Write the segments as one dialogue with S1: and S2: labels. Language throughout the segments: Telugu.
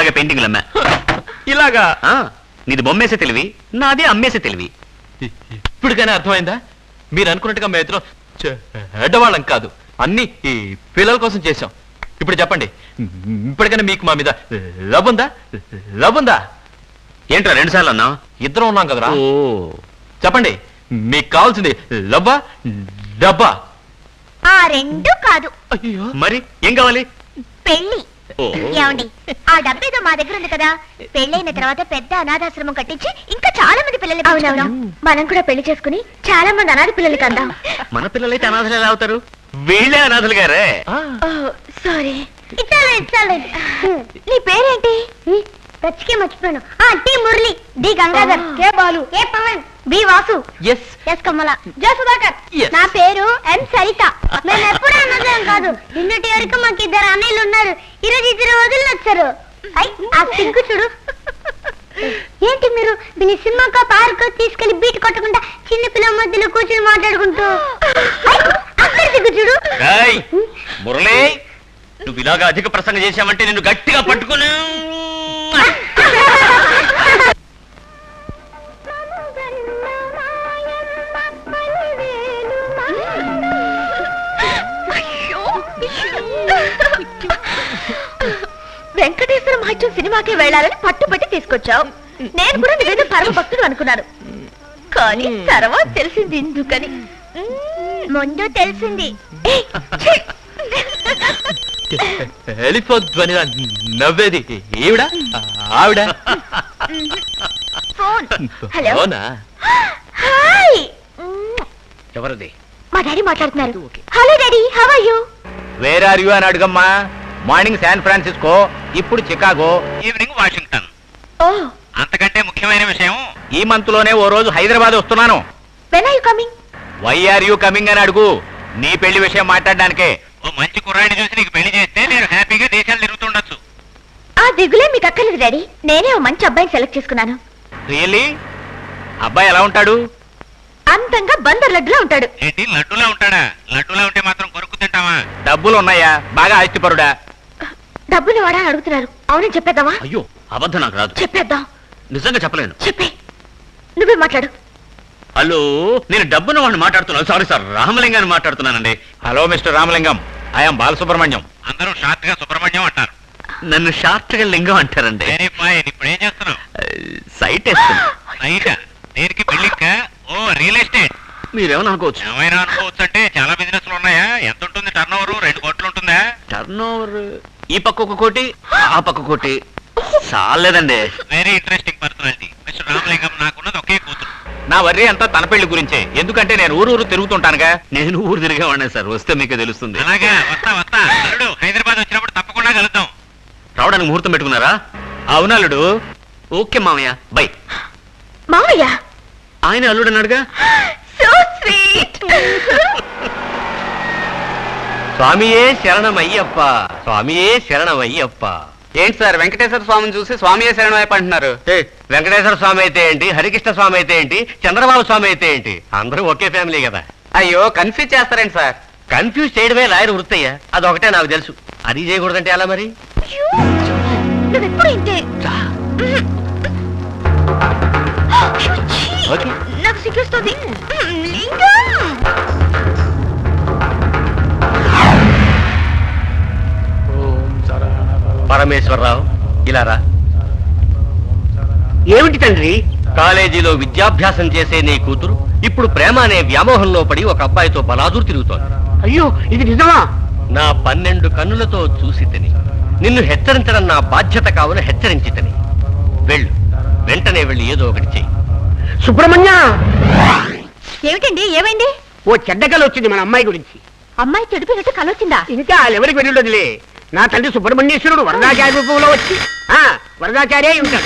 S1: హాయిగా పెయింటింగ్లు అమ్మా.
S2: ఇలాగా
S1: నీది బొమ్మేసే తెలివి, నాది అమ్మేసే తెలివి.
S2: ఇప్పటికైనా అర్థమైందా? మీరు అనుకున్నట్టుగా మేము ఇద్దరం చెడ్డవాళ్ళం కాదు, అన్ని ఈ పిల్లల కోసం చేశాం. ఇప్పుడు చెప్పండి, ఇప్పటికైనా మీకు మా మీద లవ్ ఉందా? లవ్ ఉందా?
S1: ఏంట్రా 2 సార్లు అన్నా?
S2: ఇద్దరం ఉన్నాం కదరా.
S1: ఓ
S2: చెప్పండి, మీకు కావాల్సింది లవ్వా డబ్బా?
S3: ఆ రెండు కాదు.
S2: అయ్యో,
S1: మరి ఏం కావాలి?
S3: పెళ్లి.
S1: ఓ.
S3: ఏమండి, ఆ డబ్బేదో మా దగ్గర ఉంది కదా, పెళ్ళైన తర్వాత పెద్ద అనాథాశ్రమం కట్టించి ఇంకా చాలా మంది పిల్లలు పెంచుకుందాం. మనం కూడా పెళ్లి చేసుకుని చాలా మంది అనాథ పిల్లలకి అందాం.
S1: మన పిల్లలైతే అనాథలు ఎలా అవుతారు? వీళ్ళే అనాథలు గారే.
S3: సారీ. నీ పేరేంటి? రచ్చికే మర్చిపోయాను. T Murali, D Gangadhar, K Balu, A Pavan, B Vasu, S Kamala, J Sudhakar. నా పేరు ఎం సరిత. మేము ఎప్పుడు అన్నదేం కాదు. నిన్నటి వరకు మాకు 2 అన్నయ్యలు ఉన్నారు. ఈరోజు 2 వదిలి వచ్చారు. ఆ సిగ్గు చూడు. ఏంటి మీరు దీని సినిమాకో పార్క్ తీసుకెళ్లి బీట్ కొట్టకుండా చిన్న పిల్లల మధ్యలో కూర్చొని మాట్లాడుకుంటూ అక్కడ సిగ్గు చూడు.
S1: మురళి, నువ్వు ఇలాగా అధిక ప్రసంగం చేశావంటే నిన్ను గట్టిగా పట్టుకుని
S3: వెంకటేశ్వర మహత్యం సినిమాకి వెళ్ళాలని పట్టుబట్టి తీసుకొచ్చావు. నేను కూడా నువ్వేదో పరమ భక్తుడు అనుకున్నాను, కానీ తర్వాత తెలిసింది ఎందుకని. ముందు తెలిసింది.
S2: వెళ్ళిపోద్వనిగా నవ్వేది ఈవిడ ఆవిడ?
S3: ఫోన్. హలో.
S2: అవునా?
S3: హాయ్.
S1: ఎవరిది?
S3: మా డాడీ మాట్లాడుతున్నారు. Hello daddy, how are you?
S4: Where are you అని అడుగమ్మా. మార్నింగ్ శాన్ ఫ్రాన్సిస్కో, ఇప్పుడు చికాగో,
S1: ఈవినింగ్ వాషింగ్టన్.
S3: ఓ,
S1: అంతకంటే ముఖ్యమైన విషయం,
S4: ఈ మంత్ లోనే ఓ రోజు హైదరాబాద్ వస్తున్నాను.
S3: When are you coming?
S4: Why are you coming అని అడుగు. నీ పెళ్లి విషయం మాట్లాడడానికే.
S1: ఓ మంచి కుర్రాడిని చూసి నీకు పెళ్లి చేస్తే నేను హ్యాపీగా దేశాలు తిరుగుతుండొచ్చు.
S3: ఆ దిగులే మీకు అక్కర్లేదు డాడీ. నేనే ఓ మంచి అబ్బాయిని సెలెక్ట్ చేసుకున్నాను.
S4: రియల్లీ? అబ్బాయి ఎలా ఉంటాడు?
S3: అంతంగా బందర్ లడ్డులా ఉంటాడు.
S1: ఏంటి లడ్డూలా ఉంటాడా? లడ్డూలా ఉంటే మాత్రం కొరుకు తింటావా?
S4: డబ్బులు ఉన్నాయా? బాగా ఆస్తిపరుడా?
S3: డబ్బులు వాడా అని అడుగుతున్నారు. అవునని చెప్పేద్దామా?
S1: అయ్యో, అబద్ధం నాకు రాదు.
S3: చెప్పేద్దాం.
S1: నిజంగా చెప్పలేను.
S3: చెప్పే, నువ్వే మాట్లాడు.
S1: హలో, నేను డబ్బున వాడిని మాట్లాడుతున్నాను. సారీ సార్, రామలింగాన్ని మాట్లాడుతున్నానండి.
S4: Hello mister Ramalingam, I'm Balasubrahmanyam.
S1: అందరూ షార్ట్ గా సుబ్రహ్మణ్యం అంటారు, నన్ను షార్ట్ గా లింగం అంటారండి. ఇప్పుడు ఏం చేస్తున్నావు? సైట్ వేస్తున్నా. సైట్ దేనికి? పెళ్లికా? ఓ, రియల్ ఎస్టేట్. మీరేమని అనుకోవచ్చు. ఏమైనా అనుకోవచ్చు అంటే చాలా బిజినెస్లు ఉన్నాయా? ఎంత ఉంటుంది టర్న్ ఓవర్? 2 కోట్లు ఉంటుందా? టర్న్ ఓవర్ ఈ పక్క 1 కోటి, ఆ పక్క 1 కోటి. చాలేదండి. Very interesting personality mister Ramalingam. నాకున్నది ఒకే కూతురు.
S4: నా వర్రీ అంతా తన పెళ్లి గురించే. ఎందుకంటే నేను ఊరు తిరుగుతుంటానుగా.
S1: నేను ఊరు తిరిగేవాడినే సార్, వస్తే మీకే తెలుస్తుంది.
S4: అలాగా, వస్తా.
S1: అల్లుడు, హైదరాబాద్ వచ్చినప్పుడు తప్పకుండా కలుద్దాం. రావడానికి ముహూర్తం పెట్టుకున్నారా?
S4: అవునల్లుడు.
S1: ఓకే మామయ్య, బై.
S3: మామయ్య,
S1: ఆయన అల్లుడు అన్నాడుగా.
S3: So sweet.
S4: స్వామియే శరణమయ్యప్ప, స్వామియే శరణమయ్యప్ప. ఏంటి సార్, వెంకటేశ్వర స్వామిని చూసి స్వామియే శరణమయ్యప్ప అంటున్నారు? వెంకటేశ్వర స్వామి అయితే ఏంటి, హరికృష్ణ స్వామి అయితే ఏంటి, చంద్రబాబు స్వామి అయితే ఏంటి? అందరూ ఒకే ఫ్యామిలీ కదా. అయ్యో, కన్ఫ్యూజ్ చేస్తారేంటి సార్? కన్ఫ్యూజ్ చేయడమే లాయర్ వృత్తయ్యా. అదొకటే నాకు తెలుసు. అది చేయకూడదంటే ఎలా మరి?
S3: నువ్వెప్పుడు ఇంతే.
S4: ఓకే,
S3: నాకు సిగ్గుస్తుంది. లింగం.
S4: పరమేశ్వరరావు, ఇలా రా.
S5: ఏమిటి తండ్రి?
S4: కాలేజీలో విద్యాభ్యాసం చేసే నీ కూతురు ఇప్పుడు ప్రేమ అనే వ్యామోహంలో పడి ఒక అబ్బాయితో బలాదూరు తిరుగుతోంది.
S5: అయ్యో, ఇది నిజమా?
S4: నా 12 కన్నులతో చూసి తిని నిన్ను హెచ్చరించడం నా బాధ్యత కావున హెచ్చరించి తిని. వెళ్ళు, వెంటనే వెళ్ళి ఏదో ఒకటి చెయ్యి.
S5: సుబ్రహ్మణ్య,
S3: ఏమిటండి, ఏమైంది?
S5: ఓ చెడ్డ కల వచ్చింది మన అమ్మాయి గురించి.
S3: అమ్మాయి చెడిపోయినట్టు కలొచ్చిందా?
S5: ఇంకా ఎవరికి వెళ్ళుండదులే. నా తండ్రి సుబ్రహ్మణ్యేశ్వరుడు వరదాచార్య రూపంలో వచ్చి వరదాచార్య ఉంటాడు.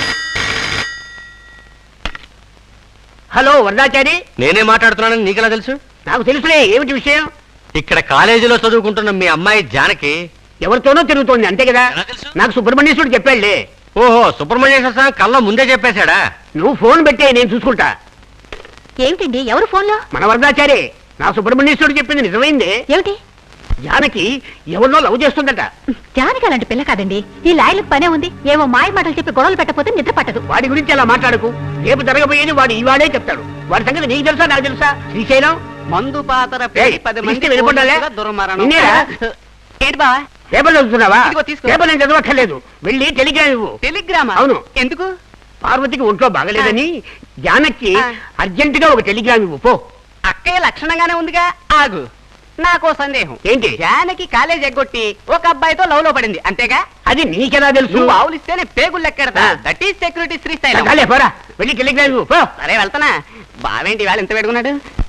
S5: హలో వరదాచారి.
S4: నేనే మాట్లాడుతున్నానని నీకెలా తెలుసు?
S5: నాకు తెలుసులే. ఏమిటి విషయం?
S4: ఇక్కడ కాలేజీలో చదువుకుంటున్న మీ అమ్మాయి జానకి
S5: ఎవరితోనో తిరుగుతోంది, అంతే కదా?
S1: ఎలా తెలుసు?
S5: నాకు సుబ్రహ్మణ్యేశ్వరుడు చెప్పాడులే.
S4: ఓహో, సుబ్రహ్మణ్యేశ్వర స్వామి కళ్ళ ముందే చెప్పేశాడా?
S5: నువ్వు ఫోన్ పెట్టే, నేను చూసుకుంటా.
S3: ఏమిటండి, ఎవరు ఫోన్లో?
S5: మన వరదాచారి. నా సుబ్రహ్మణ్యేశ్వరుడు చెప్పింది నిజమైంది.
S3: ఏమిటి?
S5: జానకి ఎవరినో లవ్ చేస్తుందట.
S3: జానకి అలాంటి పిల్ల కాదండి. ఈ లాయలకు పనే ఉంది. ఏమో మాయ మాటలు చెప్పి గొడవలు పెట్టకపోతే నిద్ర పట్టదు.
S5: వాడి గురించి అలా మాట్లాడకు. రేపు జరగబోయేది వాడు ఈవాడే చెప్తాడు. వాడి సంగతి నీకు తెలుసా నాకు తెలుసా? శ్రీశైలం
S4: మందు పాతర
S5: ఏయ్, ఇస్తే వినపడ్డాలే? నిన్నేరా?
S4: ఏంటి బావా
S5: పేపర్ చదువుతున్నావా?
S4: ఇదిగో తీసుకో.
S5: పేపర్ నేను చదవక్కర్లేదు. వెళ్ళి టెలిగ్రామ్ ఇవ్వు.
S4: టెలిగ్రామా
S5: అవును.
S4: ఎందుకు?
S5: పార్వతికి ఒంట్లో బాగలేదని జానకి అర్జెంట్ గా ఒక టెలిగ్రామ్ ఇవ్వు పో.
S4: అక్కయ్య లక్షణంగానే ఉందిగా. ఆగు, నాకో సందేహం.
S5: ఏంటి?
S4: జానకి కాలేజ్ ఎగ్గొట్టి ఒక అబ్బాయితో లవ్ లో పడింది అంతేగా?
S5: అది నీకెలా తెలుసు?
S4: నువ్వు ఆవులిస్తేనే పేగులు లెక్కెడతా. That is security Srisailam.
S5: చాలే, పోరా వెళ్ళి టెలిగ్రామ్ ఇవ్వు పో.
S4: సరే వెళ్తానా. బావేంటి వాళ్ళు ఎంత పెట్టుకున్నాడు?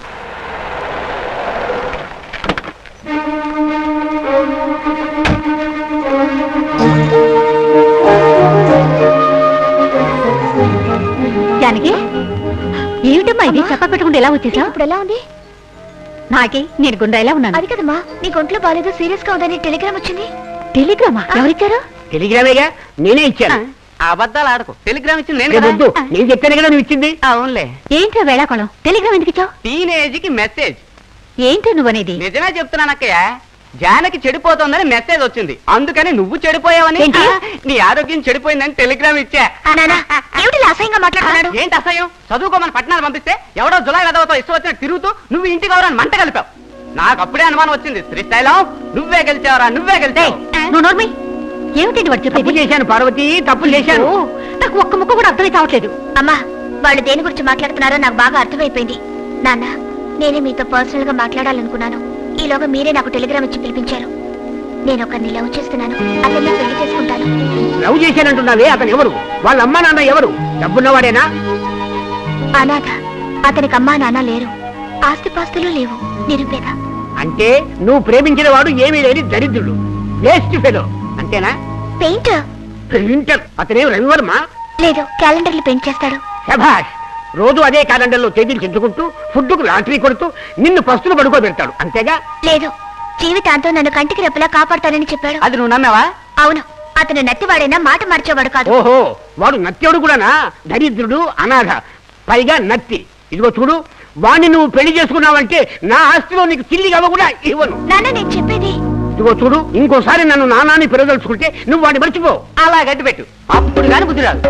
S3: జానకి ఏమిటమ్మా ఇది? చెప్ప పెట్టకుండా ఎలా వచ్చేసావు? ఇప్పుడు ఎలా ఉంది నాకి? నేను గుండ్రా ఎలా ఉన్నాను? అది కదమ్మా, నీ ఒంట్లో బాగాలేదు, సీరియస్ గా ఉందని టెలిగ్రామ్ వచ్చింది. టెలిగ్రామా? ఎవరిచ్చారు?
S5: టెలిగ్రామేగా, నేనే ఇచ్చాను.
S4: అబద్ధాలు ఆడకు. టెలిగ్రామ్ ఇచ్చింది నేను
S5: రేపు
S4: కదా.
S5: వద్దు, నేను చెప్తాను కదా నువ్వు ఇచ్చింది.
S4: అవునులే.
S3: ఏంట్రా వేళాకోళం? టెలిగ్రామ్ ఎందుకు ఇచ్చావు?
S4: టీనేజ్ కి మెసేజ్.
S3: ఏంటి నువ్వనేది?
S4: నిజమే చెప్తున్నాను అక్కయ్య. జానకి చెడిపోతోందని మెసేజ్ వచ్చింది. అందుకని నువ్వు చెడిపోయావని,
S3: ఏంటి?
S4: నీ ఆరోగ్యం చెడిపోయిందని టెలిగ్రామ్ ఇచ్చా.
S3: ఏమిటి అసహ్యంగా మాట్లాడుతున్నాడు?
S4: ఏంటి అసహ్యం? చదువుకోమని పట్టణాలు పంపిస్తే ఎవడో జులై వెదవతో ఇష్టం వచ్చినట్టు తిరుగుతూ నువ్వు ఇంటికి ఎవరని మంట కలిపావు. నాకు అప్పుడే అనుమానం వచ్చింది. శ్రీశైలం నువ్వే గెలిచావరా, నువ్వే గెలిచావు.
S3: నువ్వు నోర్మి. ఏమిటండి వాడు
S5: తప్పు
S3: చెప్పేది?
S5: చేశాను పార్వతి, తప్పు చేశాను.
S3: నాకు ఒక్క ముక్క కూడా అర్థమై కావట్లేదు. అమ్మా, వాళ్ళు దేని గురించి మాట్లాడుతున్నారో నాకు బాగా అర్థమైపోయింది. నాన్న, నేనే మీతో పర్సనల్ గా మాట్లాడాలనుకున్నాను. ఈలోగా మీరే నాకు టెలిగ్రామ్ ఇచ్చి పిలిపించారు. నేను ఒకరిని లవ్ చేస్తున్నాను. అతన్ని పెళ్లి చేసుకుంటాను.
S5: లవ్ చేశానంటున్నావే, అతను ఎవరు? వాళ్ళ అమ్మా నాన్న ఎవరు? డబ్బున్నవాడేనా?
S3: అనాథ. అతనికి అమ్మా నాన్న లేరు, ఆస్తిపాస్తులు లేవు, నిరుపేద.
S5: అంటే నువ్వు ప్రేమించిన వాడు ఏమీ లేని దరిద్రుడు, వేస్ట్ ఫెలో అంతేనా?
S3: Painter
S5: printer. అతనేం రవివర్మ?
S3: లేదు, క్యాలెండర్లు పెయింట్ చేస్తాడు.
S5: శభాష్. రోజు అదే క్యాలెండర్లో తేదీలు చెంచుకుంటూ ఫుడ్కు లాటరీ కొడుతూ నిన్ను పస్తులు పడుకోబెడతాడు అంతేగా?
S3: లేదు, జీవితాంతం నన్ను కంటికి రెప్పలా కాపాడతానని చెప్పాడు.
S4: అది నువ్వు నమ్మావా?
S3: అవును, అతను నత్తివాడైనా మాట మార్చేవాడు కాదు.
S5: ఓహో, వాడు నత్యుడు కూడానా? దరిద్రుడు, అనాథ, పైగా నత్తి. ఇదిగో చూడు, వాణ్ణి నువ్వు పెళ్లి చేసుకున్నావంటే నా ఆస్తిలో నీకు చిల్లి గవ్వ కూడా ఇవ్వను.
S3: నాన్న, నేను చెప్పేది.
S5: ఇదిగో చూడు, ఇంకోసారి నన్ను నానాన్ని పెరదలుచుకుంటే నువ్వు వాడిని మర్చిపో.
S4: అలా గట్టి పెట్టు, అప్పుడు కానీ బుద్ధి రాదు.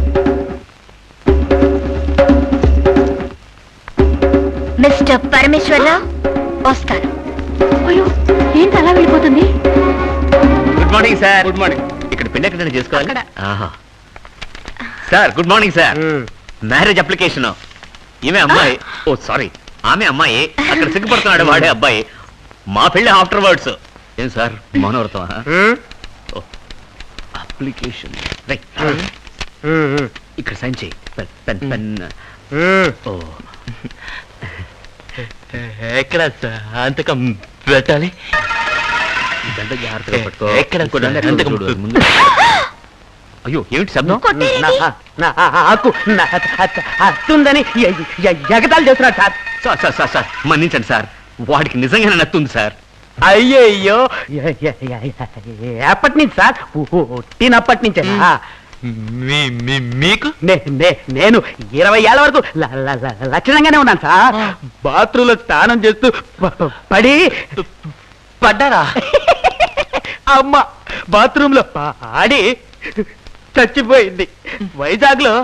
S3: మిస్టర్ పరమేశ్వరరావు, వస్తాను. అయ్యో, ఏంటి అలా వెళ్ళిపోతుంది?
S1: Good morning sir.
S5: Good morning.
S1: ఇక్కడ పెళ్లి ఎక్కడ చేసుకోవాలి?
S3: అక్కడ.
S1: ఆహా. Sir good morning sir. Marriage application. ఈమె అమ్మాయి. ఓ సారీ, ఆమె అమ్మాయి. అక్కడ సిగ్గుపడుతున్నాడు వాడే అబ్బాయి. మా పెళ్లి ఆఫ్టర్ వర్డ్స్. ఏం సార్ మౌనవ్రతం? Application right. ఇక్కడ సైన్ చేయి. Pen pen pen. ఓ
S2: ఎక్కడ అంతకం పెట్టాలి?
S1: ఇదంతా జాగ్రత్తగా పట్టుకో.
S2: ఎక్కడ
S1: ఇంకో దండ ఎక్కడ
S2: అంతకం
S1: చూడు ముందు. అయ్యో ఏమిటి శబ్దం?
S5: అత్తుందని ఎగతాలు చేస్తున్నాడు sir.
S1: Sir sir sir sir మన్నించండి సార్, వాడికి నిజంగానే నత్తుంది సార్.
S5: అయ్యయ్యో, ఎప్పటి నుంచి సార్? పుట్టినప్పటి నుంచే.
S2: మీకు
S5: నేను 20 ఏళ్ల వరకు లక్షణంగానే ఉన్నాను సార్. బాత్రూంలో స్నానం చేస్తూ పడి
S2: పడ్డారా?
S5: అమ్మ బాత్రూమ్ లో పాడి చచ్చిపోయింది. వైజాగ్ లో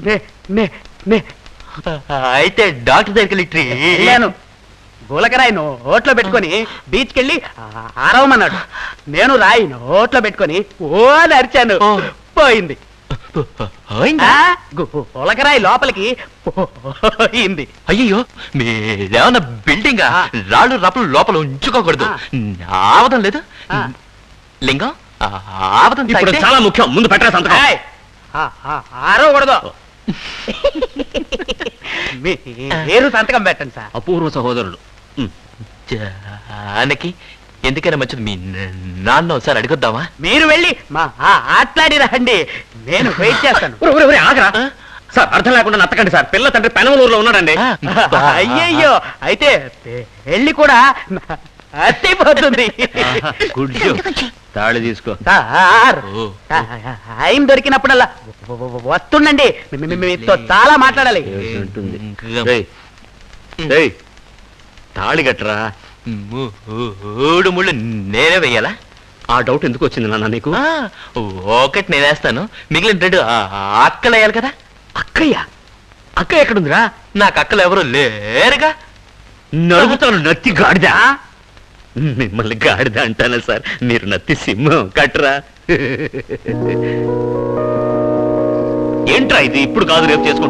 S2: అయితే డాక్టర్ దగ్గరికి
S5: వెళ్ళాను. గులకరాయి నోట్లో పెట్టుకొని బీచ్కి వెళ్ళి ఆరవమన్నాడు. నేను రాయి నోట్లో పెట్టుకొని ఓ అరిచాను. పోయింది. గులకరాయి లోపలికి పోయింది.
S2: అయ్యో, మీరేమన్నా బిల్డింగ్ రాళ్ళు రప్పలు లోపల ఉంచుకోకూడదు. ఆవదం లేదు లింగం. ఆవదం
S1: ఇప్పుడు
S2: తాగితే-
S1: చాలా ముఖ్యం, ముందు పెట్టరా సంతకం.
S5: ఆరవకూడదు. మీరు సంతకం పెట్టండి సార్.
S1: అపూర్వ సహోదరుడు.
S2: జానకి ఎందుకైనా మంచిది మీ నాన్న ఒకసారి అడుగుద్దామా?
S5: మీరు వెళ్ళి మా ఆట్లాడి రండి, నేను వెయిట్ చేస్తాను.
S1: ఆగరా సార్, అర్థం లేకుండా నత్తకండి సార్. పిల్ల తండ్రి పెనమలూరులో ఉన్నాడండి.
S5: అయ్యయ్యో, అయితే పెళ్లి కూడా అత్తిపోతుంది.
S1: తాళి తీసుకో.
S5: సార్, టైం దొరికినప్పుడల్లా వస్తుండండి, మీతో చాలా మాట్లాడాలి.
S1: ఉంటుంది. తాళి కట్టరా.
S2: మూడు ముళ్ళు నేనే వెయ్యాలా?
S1: ఆ డౌట్ ఎందుకు వచ్చింది నాన్న నీకు?
S2: ఒకటి నేనేస్తాను, మిగిలిన రెండు అక్కలు వేయాలి కదా.
S1: అక్కయ్య అక్క ఎక్కడుందిరా?
S2: నాకు అక్కలు ఎవరు లేరుగా.
S1: నడుగుతాను నత్తి గాడిద. మిమ్మల్ని గాడిద అంటానా సార్? మీరు నత్తి సింహం కట్రా. ఏంట్రా ఇది? ఇప్పుడు కాదు రేపు చేసుకుంటా.